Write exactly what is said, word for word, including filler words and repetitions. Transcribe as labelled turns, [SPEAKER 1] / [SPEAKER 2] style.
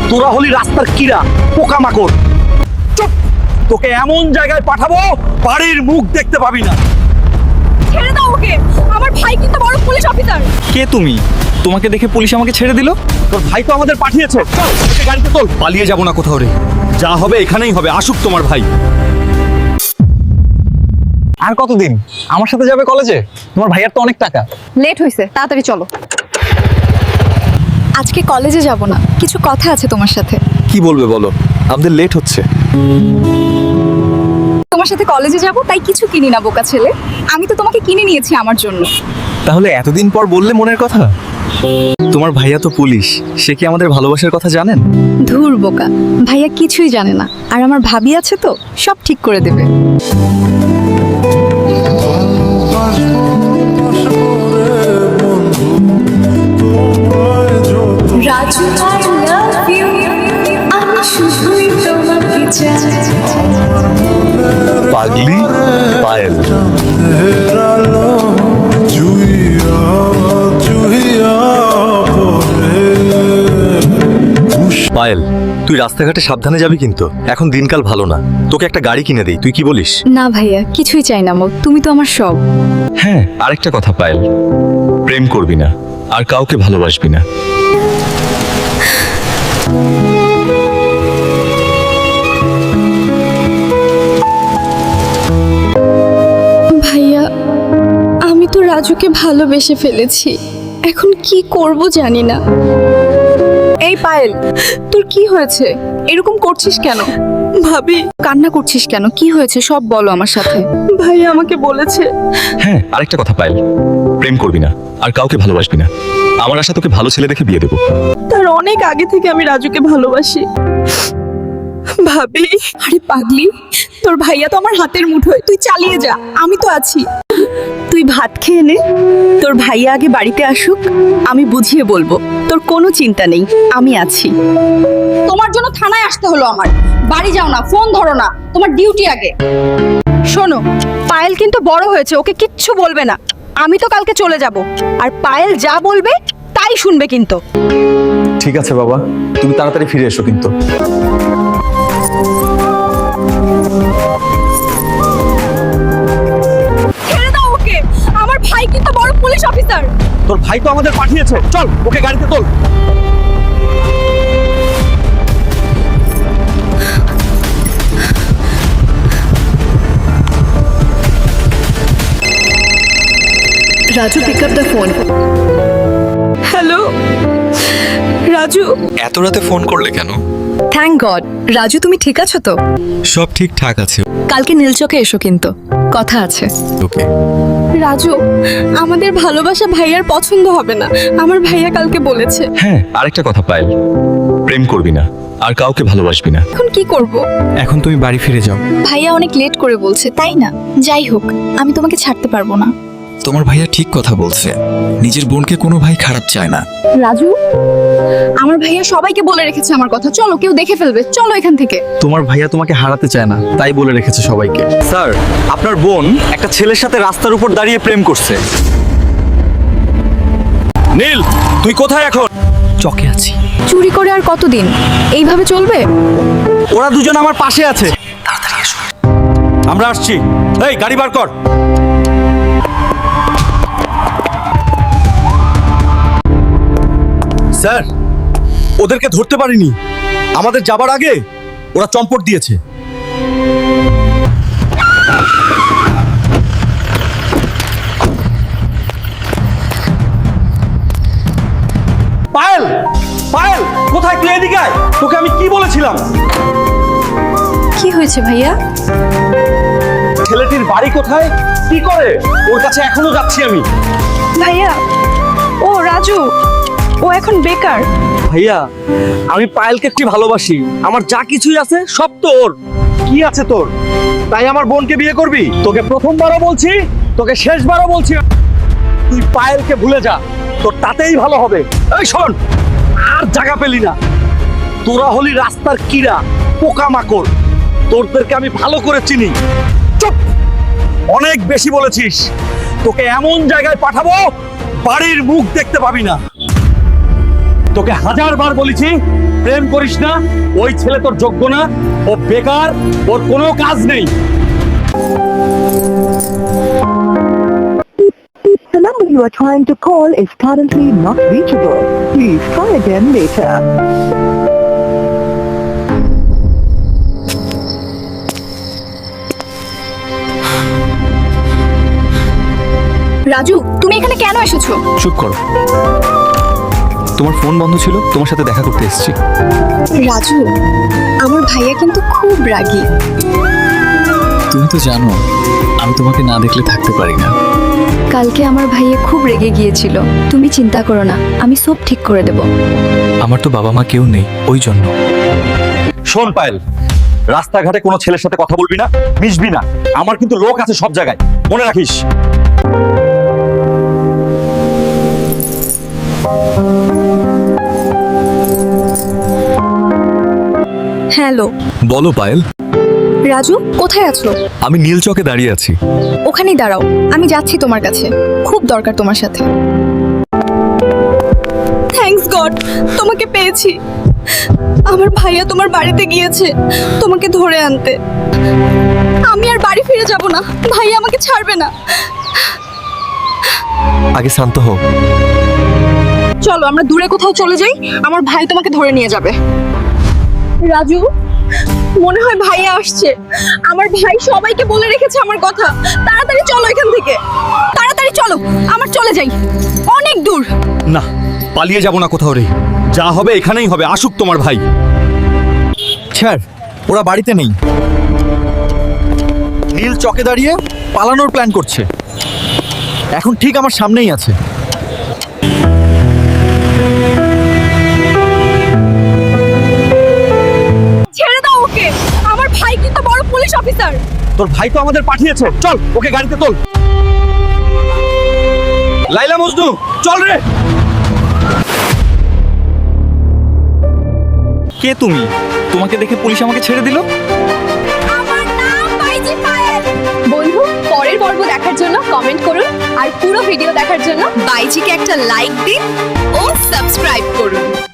[SPEAKER 1] তোরা হলি রাস্তার কিরা, পোকামাকড়। চুপ! তোকে এমন জায়গায় পাঠাবো বাড়ির মুখ দেখতে পাবি না।
[SPEAKER 2] ছেড়ে দাও ওকে, আমার ভাই কিন্তু বড় পুলিশ অফিসার।
[SPEAKER 3] কে তুমি? তোমাকে দেখে পুলিশ আমাকে ছেড়ে দিল?
[SPEAKER 1] তোর ভাই তো আমাদের পাঠিয়েছে। চল ওকে গাড়িতে তোল।
[SPEAKER 3] পালিয়ে যাব না কোথাও রে।
[SPEAKER 1] যা হবে এখানেই হবে, আসুক তোমার ভাই।
[SPEAKER 3] আর কতদিন আমার সাথে যাবে কলেজে? তোমার ভাইয়ার তো অনেক টাকা।
[SPEAKER 2] লেট হয়েছে, তাড়াতাড়ি চলো। আজকে কলেজে যাব না, কিছু কথা আছে তোমার সাথে।
[SPEAKER 3] কি বলবে বলো, আমাদের লেট হচ্ছে।
[SPEAKER 2] তোমার সাথে কলেজে যাব তাই কিছু কিনি না বোকা ছেলে। আমি তো তোমাকে কিনে নিয়েছি আমার জন্য।
[SPEAKER 3] তাহলে এতদিন পর বললে মনের কথা? তোমার ভাইয়া তো পুলিশ, সে কি আমাদের ভালোবাসার কথা জানেন?
[SPEAKER 2] ধুর বোকা, ভাইয়া কিছুই জানে না। আর আমার ভাবি আছে তো, সব ঠিক করে দেবে। রাজু আই লাভ ইউ, আমি শুধুই তোমাকে চাই।
[SPEAKER 3] পাগলি পায়েল। পায়েল, তুই রাস্তাঘাটে সাবধানে যাবি কিন্তু। এখন দিনকাল ভালো না, তোকে একটা গাড়ি কিনে দেই, তুই কি বলিস?
[SPEAKER 2] না ভাইয়া, কিছুই চাই না। মো তুমি তো আমার সব।
[SPEAKER 3] হ্যাঁ, আরেকটা কথা পায়েল, প্রেম করবি না আর কাউকে ভালোবাসবি না।
[SPEAKER 4] ভাইয়া, আমি তো রাজুকে ভালোবেসে ফেলেছি, এখন কি করব জানি না।
[SPEAKER 2] এই পায়েল, তোর কি হয়েছে? এরকম করছিস কেন?
[SPEAKER 4] ভাবি,
[SPEAKER 2] কান্না করছিস কেন? কি হয়েছে সব বলো আমার সাথে।
[SPEAKER 4] ভাইয়া আমাকে বলেছে।
[SPEAKER 3] হ্যাঁ, আরেকটা কথা পায়েল, প্রেম করবি না আর কাউকে ভালোবাসবি না। আমার আশা তোকে ভালো ছেলে দেখে বিয়ে দেবো।
[SPEAKER 4] তার অনেক আগে থেকে আমি রাজুকে ভালোবাসি। ভাবি,
[SPEAKER 2] আরে পাগলি, তোর ভাইয়া তো আমার হাতের মুঠোয়, তুই চালিয়ে যা, আমি তো আছি।
[SPEAKER 4] তুই ভাত খেয়ে নে, তোর ভাইয়া আগে বাড়িতে আসুক, আমি বুঝিয়ে বলবো। তোর কোনো চিন্তা নেই, আমি আছি।
[SPEAKER 2] তোমার জন্য থানায় আসতে হলো আমার। বাড়ি যাও না, ফোন ধরো না, তোমার ডিউটি আগে। শোনো, পায়েল কিন্তু বড় হয়েছে, ওকে কিচ্ছু বলবে না। আমি তো কালকে চলে যাব, আর পায়েল যা বলবে তাই শুনবে কিন্তু।
[SPEAKER 3] ঠিক আছে বাবা, তুমি তাড়াতাড়ি ফিরে এসো কিন্তু।
[SPEAKER 2] ছেড়ে দাও ওকে, আমার ভাই কিন্তু বড় পুলিশ অফিসার।
[SPEAKER 1] তোর ভাই তো আমাদের পাঠিয়েছে। চল ওকে গাড়িতে তোল।
[SPEAKER 4] Raju, pick up the phone. Hello Raju.
[SPEAKER 3] এত রাতে ফোন করলে কেন?
[SPEAKER 2] Thank god. রাজু, তুমি ঠিক আছো তো?
[SPEAKER 3] সব ঠিকঠাক আছে।
[SPEAKER 2] কালকে নীলচকে এসো কিন্তু, কথা আছে।
[SPEAKER 3] ওকে।
[SPEAKER 4] রাজু, আমাদের ভালোবাসা ভাইয়ার পছন্দ হবে না, আমার ভাইয়া কালকে বলেছে।
[SPEAKER 3] হ্যাঁ, আরেকটা কথা পায়েল, প্রেম করবি না আর কাউকে ভালোবাসবি না।
[SPEAKER 4] এখন কি করব?
[SPEAKER 3] এখন তুমি বাড়ি ফিরে যাও।
[SPEAKER 2] ভাইয়া অনেক লেট করে বলছে, তাই না? যাই হোক, আমি তোমাকে ছাড়তে পারবো না।
[SPEAKER 5] তোমার ভাইয়া ঠিক কথা বলছে, নিজের বোনকে কোনো ভাই খারাপ চায় না।
[SPEAKER 2] রাজু, আমার ভাইয়া সবাইকে বলে রেখেছে আমার কথা। চলো, কেউ দেখে ফেলবে, চলো এখান থেকে।
[SPEAKER 3] তোমার ভাইয়া তোমাকে হারাতে চায় না, তাই বলে রেখেছে সবাইকে। স্যার, আপনার বোন একটা ছেলের সাথে রাস্তার উপর দাঁড়িয়ে প্রেম করছে।
[SPEAKER 1] নীল, তুই কোথায় এখন?
[SPEAKER 3] চকে আছি।
[SPEAKER 2] চুরি করে আর কতদিন এইভাবে চলবে?
[SPEAKER 1] ওরা দুজন আমার পাশে আছে। আমরা আসছি। এই গাড়ি বার কর। স্যার, ওদেরকে ধরতে পারিনি। আমাদের যাবার আগে ওরা চম্পট দিয়েছে। পায়েল, পায়েল কোথায়? তুই এদিকে আয়। তোকে আমি কি বলেছিলাম?
[SPEAKER 2] কি হয়েছে ভাইয়া?
[SPEAKER 1] ছেলেটির বাড়ি কোথায়, কি করে? ওর কাছে এখনো যাচ্ছি আমি।
[SPEAKER 4] ভাইয়া, ও রাজু, ও এখন বেকার।
[SPEAKER 1] ভাইয়া, আমি পায়েলকে কি ভালোবাসি। আমার যা কিছুই আছে সব তোর। কি আছে তোর? তাই আমার বোনকে বিয়ে করবি? তোকে প্রথমবারও বলছি, তোকে শেষবারও বলছি, তুই পায়েলকে ভুলে যা, তোর তাতেই ভালো হবে। এই শোন, আর জায়গা পেলি না। তোরা হলি রাস্তার কিরা, পোকামাকড়। তোরদেরকে আমি ভালো করে চিনি। চুপ! অনেক বেশি বলেছিস। তোকে এমন জায়গায় পাঠাবো বাড়ির মুখ দেখতে পাবি না। তোকে হাজার বার বলেছি প্রেম করিস না, ওই ছেলে তোর যোগ্য না, ও বেকার, ওর কোনো কাজ নেই।
[SPEAKER 6] The number you are trying to call is currently not reachable. Please try again later.
[SPEAKER 2] Raju, তুমি এখানে কেন এসেছো?
[SPEAKER 5] চুপ করো। তোমার ফোন বন্ধ ছিল, তোমার সাথে দেখা করতে এসেছি।
[SPEAKER 4] রাজু, আমার ভাইয়া কিন্তু খুব রাগী।
[SPEAKER 5] তুমি তো জানো আমি তোমাকে না দেখলে থাকতে পারি না।
[SPEAKER 4] কালকে আমার ভাইয়া খুব রেগে গিয়েছিল। তুমি চিন্তা করো না, আমি সব ঠিক করে দেব।
[SPEAKER 5] আমার তো বাবা মা কেউ নেই, ওই জন্য।
[SPEAKER 1] শোন পায়েল, রাস্তাঘাটে কোনো ছেলের সাথে কথা বলবি না, মিশবি না। আমার কিন্তু লোক আছে সব জায়গায়, মনে রাখিস।
[SPEAKER 4] হ্যালো
[SPEAKER 5] বলো পায়েল।
[SPEAKER 4] রাজু, কোথায় আছো?
[SPEAKER 5] আমি নীল চকে দাঁড়িয়ে আছি।
[SPEAKER 4] ওখানেই দাঁড়াও, আমি যাচ্ছি তোমার কাছে। খুব দরকার তোমার সাথে। থ্যাঙ্কস গড, তোমাকে পেয়েছি। আমার ভাইয়া তোমার বাড়িতে গিয়েছে তোমাকে ধরে আনতে। আমি আর বাড়ি ফিরে যাব না, ভাইয়া আমাকে ছাড়বে না।
[SPEAKER 5] আগে শান্ত হও।
[SPEAKER 2] চলো আমরা দূরে কোথাও চলে যাই, আমার ভাই তোমাকে ধরে নিয়ে যাবে। রাজু, মনে হয় ভাইয়া আসছে। আমার ভাই সবাইকে বলে রেখেছে আমার কথা। তাড়াতাড়ি চলো এখান থেকে, তাড়াতাড়ি চলো, আমার চলে যাই, অনেক দূর।
[SPEAKER 1] না, পালিয়ে যাব না কোথাও রে, যা হবে এখানেই হবে। আসুক তোমার ভাই।
[SPEAKER 3] স্যার, ওরা বাড়িতে নেই। নীল চকে দাঁড়িয়ে পালানোর প্ল্যান করছে। এখন ঠিক আমার সামনেই আছে।
[SPEAKER 2] ছেড়ে দাও ওকে, আমার ভাই কিন্তু বড় পুলিশ অফিসার।
[SPEAKER 1] তোর ভাই তো আমাদের পাঠিয়েছে, চল ওকে গাড়িতে তোল। লাইলা মজনু, চল রে।
[SPEAKER 3] কে তুমি? তোমাকে দেখে পুলিশ আমাকে ছেড়ে দিল?
[SPEAKER 2] আমার নাম বাইজি পায়েল। বন্ধু, পরের পর্ব দেখার জন্য কমেন্ট করুন আর পুরো ভিডিও দেখার জন্য বাইজিকে একটা লাইক দিন ও সাবস্ক্রাইব করুন।